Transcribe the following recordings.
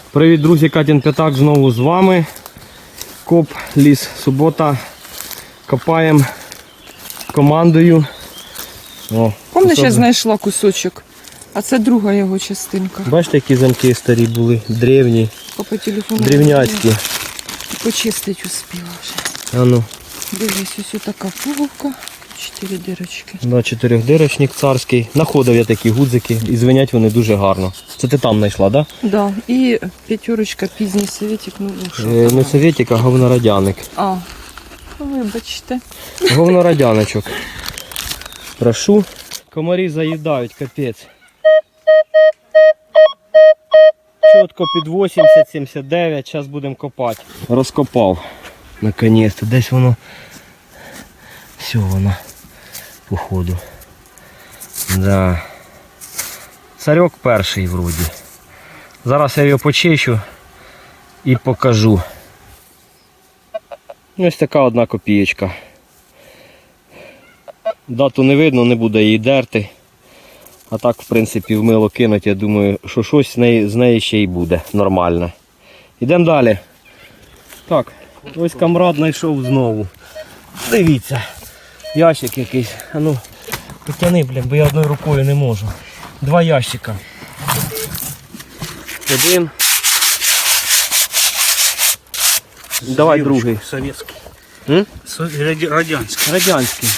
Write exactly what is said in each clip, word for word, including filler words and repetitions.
Привіт, друзі, Катін П'ятак знову з вами. Коп, ліс, субота. Копаємо командою. О, Помниш, я знайшла кусочок, а це друга його частинка. Бачите, які замки старі були, древні, По телефону древняцькі. Почистити успіла вже. А ну. Дивись, ось така пуговка, чотири дирочки. Да, чотирьохдирочник царський. Находив я такі гудзики і звенять вони дуже гарно. Це ти там знайшла, так? Да? Да. І п'ятерочка, пізній совєтик, ну що. Е, не совєтик, а говнорадяник. А, вибачте. Говнорадяночок. Прошу. Комарі заїдають, капець. Чітко під вісімдесят сімдесят дев'ять, зараз будемо копати. Розкопав. Наконець-то. Десь воно. Все воно. Походу. Да. Царьок перший вроді. Зараз я його почищу і покажу. Ось така одна копієчка. Дату не видно, не буде її дерти. А так, в принципі, в мило кинуть, я думаю, що щось з неї, з неї ще й буде нормальне. Йдемо далі. Так, ось камрад знайшов знову. Дивіться, ящик якийсь. А ну, потяни, блін, бо я одною рукою не можу. Два ящика. Один. Давай другий. Советский. М? Ради- Радянский. Радянський.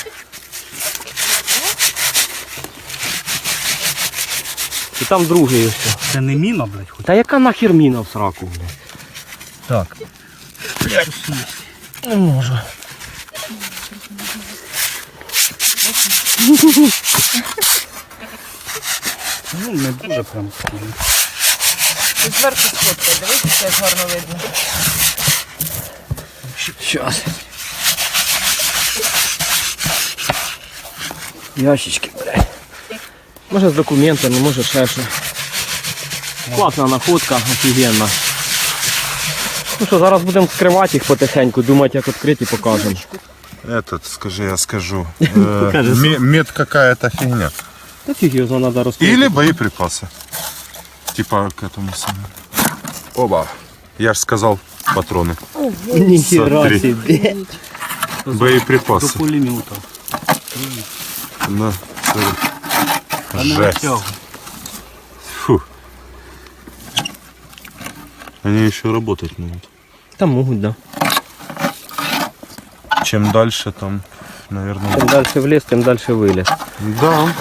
І там другий ось. Це не міна, блядь, хоч. Та яка нахер міна в сраку, блядь? Так. Не можу. Ну, не дуже прям. Зверху сфоткай, дивись, як гарно видно. Щас. Ящички, блядь. Може з документами, може ще що. Класна находка, офігенна. Ну що, зараз будемо скривати їх потихеньку, думати, як відкрити, покажемо. Этот, скажи, я скажу. Э, ме- Мед какая-то фигня. Та фіг його треба розкрити. Или боеприпасы. Типа к этому самому. Оба. Я ж сказал патроны. Ніхіра Смотри. собі. До Боеприпасы. пулемета. На, смотри. А не Жесть. витягуй. Фу. Они еще работать могут. Там можуть, да. Чем дальше, там, наверное... Чим далі в ліс, тим далі виліз. Да.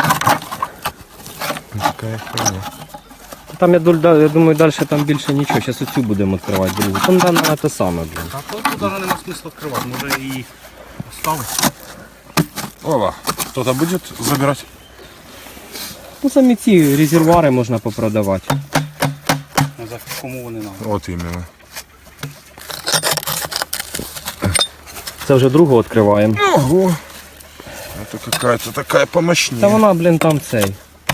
Такая херня. Там, я, дуль- я думаю, далі там більше нічого. Зараз оцю будемо відкривати, друзі. Там да, на те саме, блін. А то туди нема смисла відкривати, може і оставити. Оба. Кто-то будет забирать? Ну, самі ці резервуари можна попродавати. А за кому вони нам? Вот именно. Це вже другу відкриваємо. Ого. Это какая-то такая помощнее. Та вона, блін, там цей.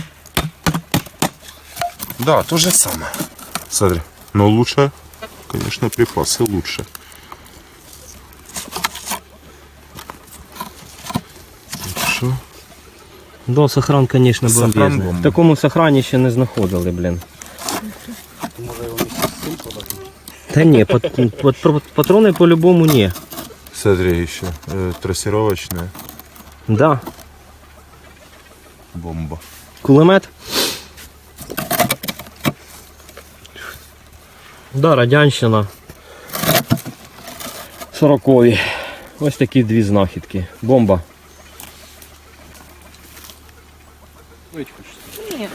Да, то же самое. Смотри. Но лучше, конечно, припасы лучше. Хорошо. Да, сохран, звісно, Сохран бомбезний. бомба. В такому сохрані ще не знаходили, блін. Може його місце з цим подати? Та ні, пат- пат- патрони по-любому ні. Смотри, еще э, трассировочная Да. бомба. Кулемет. Да, радянщина. Сорокові. Ось такі дві знахідки. Бомба. Вить хочеш? Ні.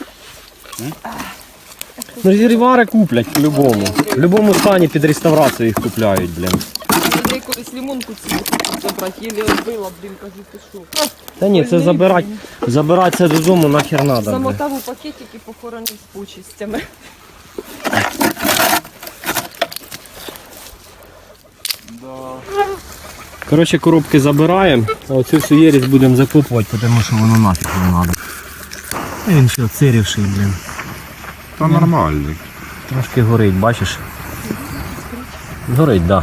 Ну, резервуари куплять по-любому. В будь-якому стані під реставрацію їх купляють, блін. Я колись лимонку цю хочу забрати, єлі розбила, блін, кажу, ти що. Та ні, це забирати, забирати це додому нахер надо, блін. Замотав у пакетик і похоронив з почистями. Коротше, коробки забираємо, а оцю всю єрість будемо закопувати, тому що воно нафіг не треба. Він ще оцирівший, блін. Та нормальный. Трошки горить, бачиш? Горить, так. Да.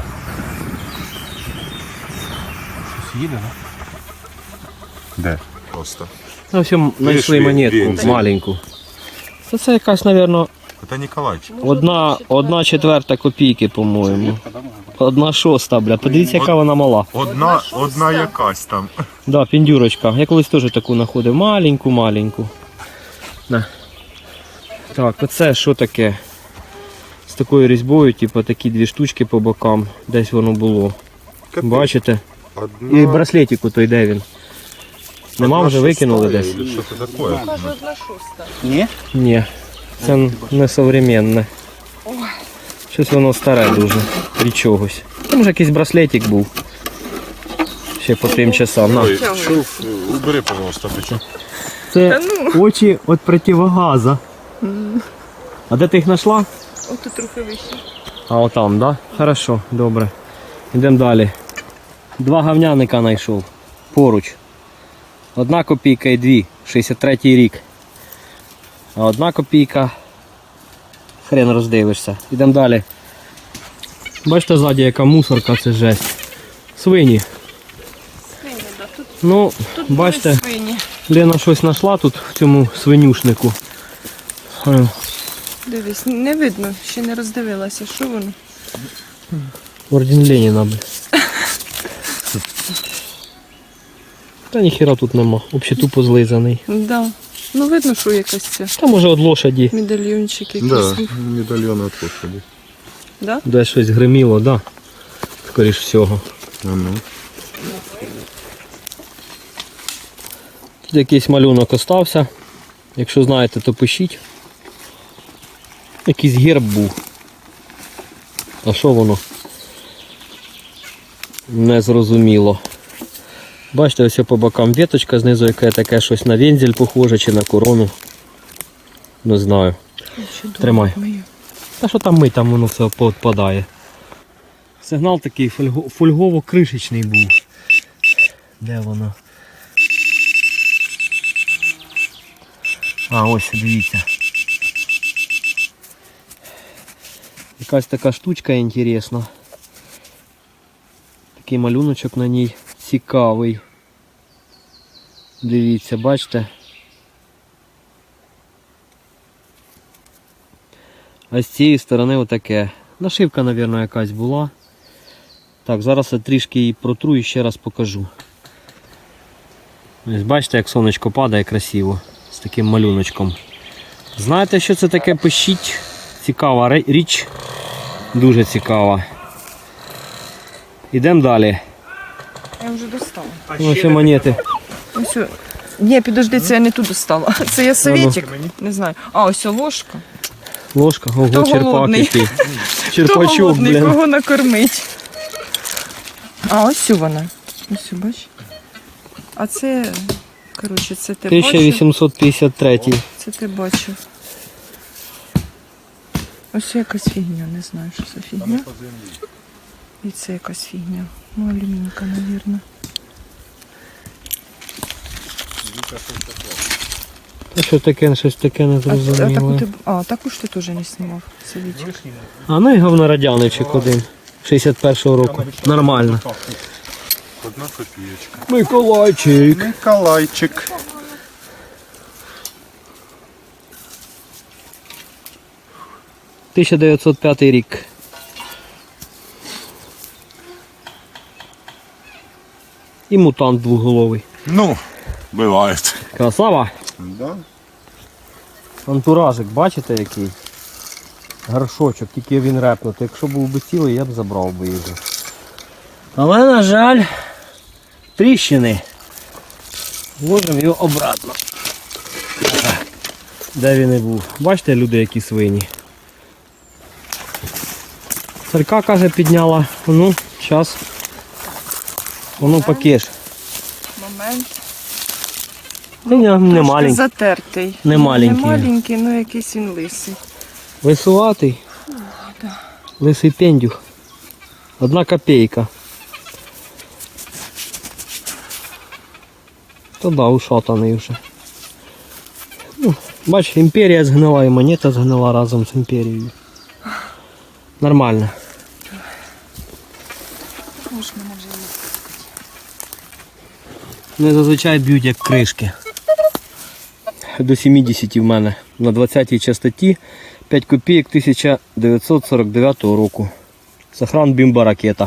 Щось їде, так? Да. Просто. Ну, все, знайшли Видиш, монетку вензель. маленьку. Це, це якась, мабуть, Это Николайчик. Одна, одна четверта копійки, по-моєму. Одна шоста, бля. Подивіться, яка вона мала. Одна, одна якась там. Да, піндюрочка. Я колись теж таку знаходив. Маленьку-маленьку. На. Так, оце що таке? З такою різьбою, типу такі дві штучки по бокам. Десь воно було. Бачите? Одна... І браслетик той, де він? Нема, вже викинули десь? Що це таке? Кажу, одна шоста. Ні? Ні, це не современне. Щось воно старе дуже. Від чогось. Там вже якийсь браслетик був. Ще по тим часам. На. Ой, шуф, убери, пожалуйста, ти чо? Це очі від противогаза. А де ти їх знайшла? Ото трохи вище. А отам, да? Хорошо, добре. Йдемо далі. Два говняника знайшов. Поруч. Одна копійка і дві. шістдесят третій рік. А одна копійка. Хрен роздивишся. Йдемо далі. Бачите ззаді яка мусорка, це жесть. Свині. Свині, да. Тут, Ну, тут бачите, були свині. Лена щось знайшла тут в цьому свинюшнику. Е, Дивись, не видно, ще не роздивилася, що воно. Орден Леніна, бля. Та ніхіра тут нема. Взагалі тупо злизаний. Да. Ну видно, що якась це. Та може від лошаді. Медальйончик якийсь. Да, медальйон от лошади. Да? Де щось гриміло, да. Скоріш всього. А ну. Тут якийсь малюнок остався. Якщо знаєте, то пишіть. Якийсь герб був. А що воно? Не зрозуміло. Бачите, ось по бокам віточка знизу, яке таке щось на вензель похоже чи на корону. Не знаю. Тримай. Та що там ми, там воно все поотпадає. Сигнал такий фольго- фольгово-кришечний був. Де воно? А, ось, дивіться. Якась така штучка інтересна. Такий малюночок на ній цікавий. Дивіться, бачите? А з цієї сторони отаке. Нашивка, мабуть, якась була. Так, зараз я трішки її протру і ще раз покажу. Ось бачите, як сонечко падає красиво. З таким малюночком. Знаєте, що це таке? Пишіть. Цікава ре- річ. Дуже цікава. Ідемо далі. Я вже достала. Ось і монети. Ось. о- Ні, підожди, це я не ту достала. Це я советик. Не знаю. А, ось о, ложка. Ложка, ого, Хто черпак голодний? який. Хто Черпачок, голодний, блін. кого накормить? А, ось о вона. Ось, о, бач. А це, коротше, це ти тисяча бачив? вісімсот п'ятдесят третій. Це ти бачив. Ось якась фігня, не знаю, що це фігня. І це якась фігня. Ну, алюмінька, мабуть. Та що таке, щось таке не А, а, таку зрозуміло. ти, а, таку ж ти теж не знімав. Совітик. А ну і говнорадяничок один. шістдесят першого року. Нормально. Одна копієчка. Миколайчик. Николайчик. тисяча дев'ятсот п'ятий рік. І мутант двоголовий. Ну, бывает. Красава. Да? Антуражик, бачите який? Горшочок, тільки він репнутий. Якщо був би цілий, я б забрав би його. Але, на жаль, тріщини. Вложимо його обратно. Де він і був. Бачите, люди, які свині. Царька, каже, підняла. Ну, зараз. Воно пакеш. Момент. Та ні, не Трошки маленький. затертий. Не маленький. Не маленький, ну якийсь він лисий. Висуватий. Лисий пендюх. Одна копійка. Та да, ушатаний вже. Ну, бач, імперія згнила і монета згнила разом з імперією. Нормально. Не зазвичай б'ють як кришки. До сімдесят в мене. На двадцятій частоті п'ять копійок тисяча дев'ятсот сорок дев'ятого року. Сохран бімба ракета.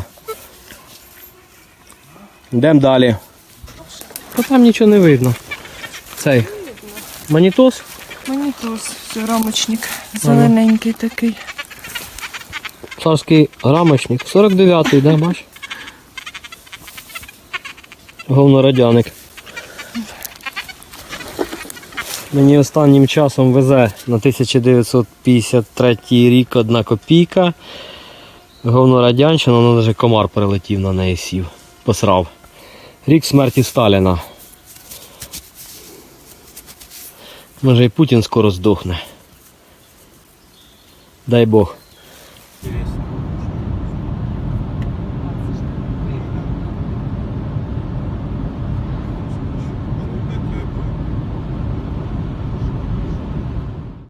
Йдемо далі. Та там нічого не видно. Цей манітос. Мені то все, рамочник зелененький такий. Царський рамочник. сорок дев'ятий, да, бач? Говнорадяник. Мені останнім часом везе на тисяча дев'ятсот п'ятдесят третій рік одна копійка. Говнорадянщина, ну навіть комар прилетів на неї сів. Посрав. Рік смерті Сталіна. Може і Путін скоро здохне. Дай Бог. Дивись.